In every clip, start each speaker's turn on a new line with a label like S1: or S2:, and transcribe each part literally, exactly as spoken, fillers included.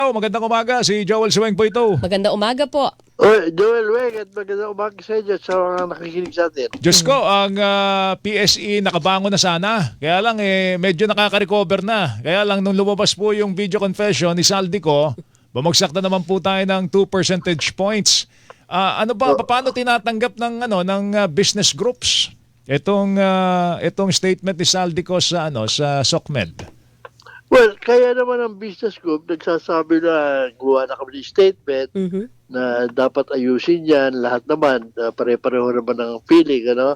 S1: Oh, magandang umaga. Si Joel Suweng po ito.
S2: Maganda umaga po.
S3: Oy, Joel Weng at magandang umaga sa inyo sa mga nakikinig sa atin.
S1: Diyos ko, ang ah, P S E nakabango na sana. Kaya lang eh, medyo nakaka-recover na. Kaya lang nung lumabas po yung video confession ni Saldico, bumagsak na naman po tayo ng two percentage points. Ah, ano ba, paano tinatanggap ng ano ng ah, business groups itong ah, itong statement ni Saldico sa ano sa SOCMED?
S3: Well, kaya naman ang business group nagsasabi na gawa na kami ng statement
S2: Mhm.
S3: na dapat ayusin yan, lahat naman, uh, pare-pareho naman ng feeling, ano?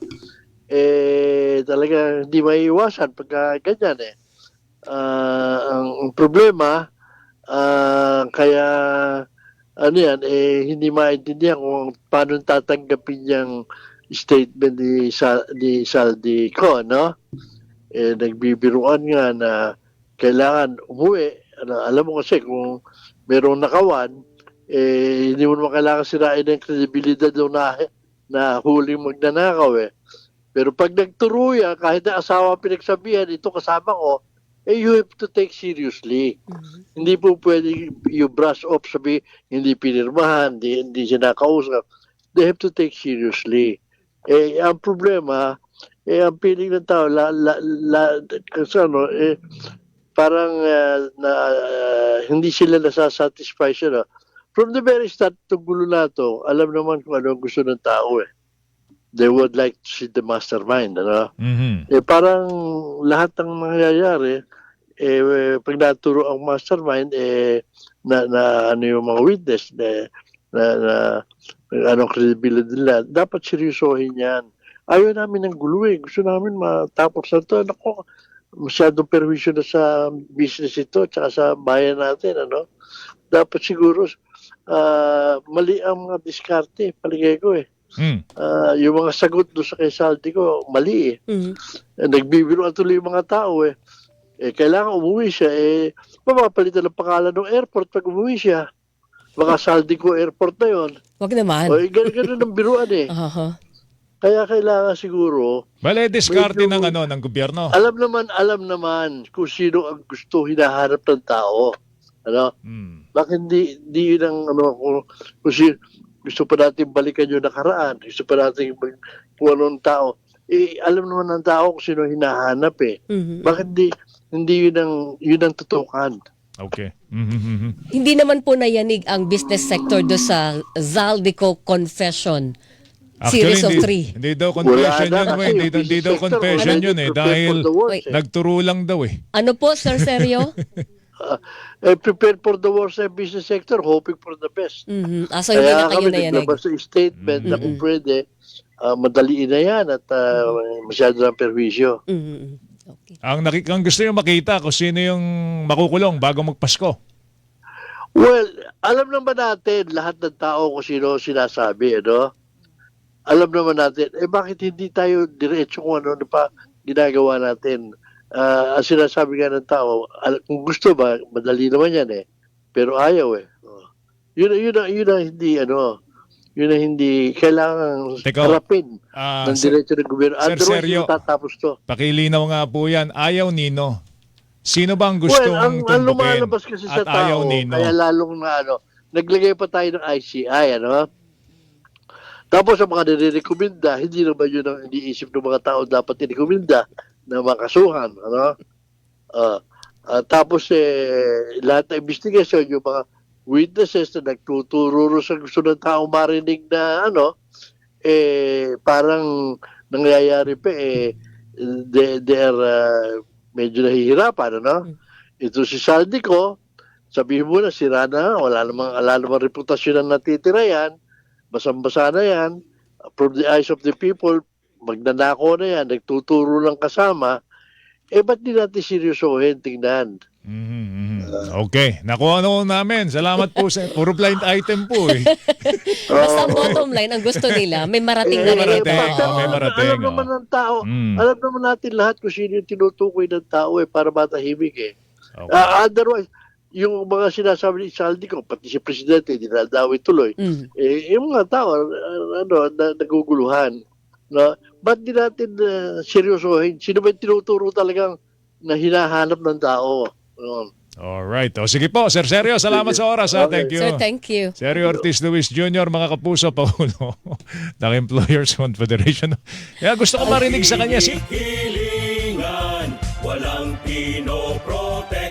S3: Eh, talaga hindi maiiwasan pagka ganyan eh. Ah, ang, ang problema, ah, kaya ano yan, eh, hindi maintindihan kung paano tatanggapin yung statement ni, Sa, ni Saldi ko, no? Eh, nagbibiruan nga na kailangan umuwi. Ano, alam mo kasi kung merong nakawan, eh, hindi mo naman kailangan sirain ng kredibilidad daw na, na huling magnanakaw eh. Pero pag nagturo yan, kahit na asawa pinagsabihan, ito kasama ko, eh, you have to take seriously.
S2: Mhm.
S3: Hindi po pwede you brush off, sabi, hindi pinirmahan, hindi, hindi siya nakausap. They have to take seriously. Eh, ang problema, eh, ang feeling ng tao, la, la, la, kasi ano, eh, parang uh, na, uh, hindi sila nasasatisfy sila. From the very start, itong gulo na ito, alam naman kung ano ang gusto ng tao eh. They would like to see the mastermind. Ano?
S1: Mhm.
S3: Eh, parang lahat ng mangyayari, eh, pag naturo ang mastermind, eh, na, na ano yung mga witness, na, na, na anong credibility nila, dapat seryosohin yan. Ayaw namin ng gulo eh. Gusto namin matapos na ito. Nako, masyadong perwisyo na sa business ito tsaka sa bayan natin, ano? Dapat siguro uh, mali ang mga diskarte, paligay ko eh.
S1: Mm.
S3: Uh, yung mga sagot doon sa kay Saldi ko, mali eh.
S2: Mhm.
S3: eh nagbibiruan tuloy yung mga tao eh. Eh, kailangan umuwi siya, eh, mapapalitan ng pangalan ng airport pag umuwi siya. Baka Saldi ko airport na yun.
S2: Wag naman.
S3: O, eh, ganun ang biruan eh.
S2: Aha.
S3: Kaya kailangan siguro,
S1: Bale, diskarte
S3: Medyo-
S1: ng ano ng gobyerno.
S3: alam naman, alam naman kung sino ang gusto hinahanap ng tao. Ano?
S1: Mm.
S3: Bakit hindi, hindi yun ang, ano, kung, kung si, gusto pa natin balikan yung nakaraan, gusto pa natin mag- kung anong tao. Eh, alam naman ng tao kung sino hinahanap eh.
S2: Mhm.
S3: Bakit hindi, hindi yun ang, yun ang tutukan.
S1: Okay. Mhm.
S2: Hindi naman po nayanig ang business sector do sa Zaldico Confession. Series of
S1: hindi,
S2: three.
S1: hindi daw confession
S3: Wala
S1: yun,
S3: na
S1: we.
S3: kasi
S1: Hindi,
S3: yung
S1: hindi
S3: business
S1: daw
S3: sector
S1: confession
S3: already
S1: yun eh.
S3: prepared
S1: Dahil
S3: for the worst,
S2: Wait.
S3: eh.
S1: nagturo lang daw eh.
S2: Ano po, Sir Sergio?
S3: Ah, eh, prepared for the worst sa business sector, hoping for the best.
S2: Mhm. Ah, so hindi na kayo
S3: kami
S2: nayanig.
S3: naglabas sa statement na kung pwede, ah, madaliin na yan at ah, masyado ng perwisyo.
S2: Mhm. Okay.
S1: Ang, nakik- ang gusto nyo makita kung sino yung makukulong bago magpasko.
S3: Well, alam naman natin lahat ng tao kung sino sinasabi, ano? Alam naman natin, eh bakit hindi tayo diretso kung ano na pa ginagawa natin? Ah, ang sinasabi nga ng tao, al- kung gusto ba, madali naman yan eh. Pero ayaw eh. Oh. Yun, yun, yun, yun ang hindi, ano, yun ang hindi kailangan
S1: Teka,
S3: harapin
S1: Ah,
S3: ng
S1: Sir-
S3: diretso ng gobyerno.
S1: Sir
S3: Otherwise,
S1: Sergio,
S3: hindi tatapos to.
S1: pakilinaw nga po yan. Ayaw Nino. Sino ba ang gustong
S3: Well, ang, ang
S1: tumbukin?
S3: lumalabas kasi sa
S1: At ayaw
S3: tao,
S1: Nino.
S3: kaya lalong na ano, naglagay pa tayo ng I C I, ano? Tapos ang mga nire-recommenda, hindi naman yun ang iniisip ng mga tao dapat i-recommenda na makasuhan, ano? Ah, ah, tapos eh, lahat ng investigation, yung mga witnesses na nagtuturo sa gusto ng tao marinig na ano, eh, parang nangyayari pa eh, they, they are uh, medyo nahihirapan, ano? Ito si Saldico, sabihin mo na, sira na, wala namang, wala namang reputasyon na natitira yan, basang-basa na yan, from the eyes of the people, magnanako na yan, nagtuturo lang kasama, eh ba't di natin seryosohin, tingnan?
S1: Mhm, mhm. Okay. Nakuha na ko namin. Salamat po sa puro blind item po eh.
S2: Basta ang bottom line, ang gusto nila, may marating na
S1: May
S2: ganito.
S1: marating,
S3: pero
S1: oh, may marating,
S3: alam naman
S1: oh.
S3: ng tao,
S1: Mm.
S3: alam naman natin lahat kung sino yung tinutukoy ng tao eh, para matahimik eh.
S1: Okay.
S3: Ah, otherwise, yung mga sinasabi ni Saldi ko, pati si Presidente, dinadawi tuloy.
S2: Mhm.
S3: Eh, yung mga tao, ah, ano, na, naguguluhan. No? Ba't di natin uh, seryosohin? Sino ba yung tinuturo talagang na hinahanap ng tao? No?
S1: Alright. O sige po, Sir Sergio, salamat sa oras. Ha?
S3: Okay.
S1: Thank you.
S2: Sir, thank you.
S1: Sergio Ortiz Luis Junior, mga kapuso, Paulo ng Employers Confederation. Kaya gusto ko marinig sa kanya. Si
S4: Hilingan, walang pinoprotektahan.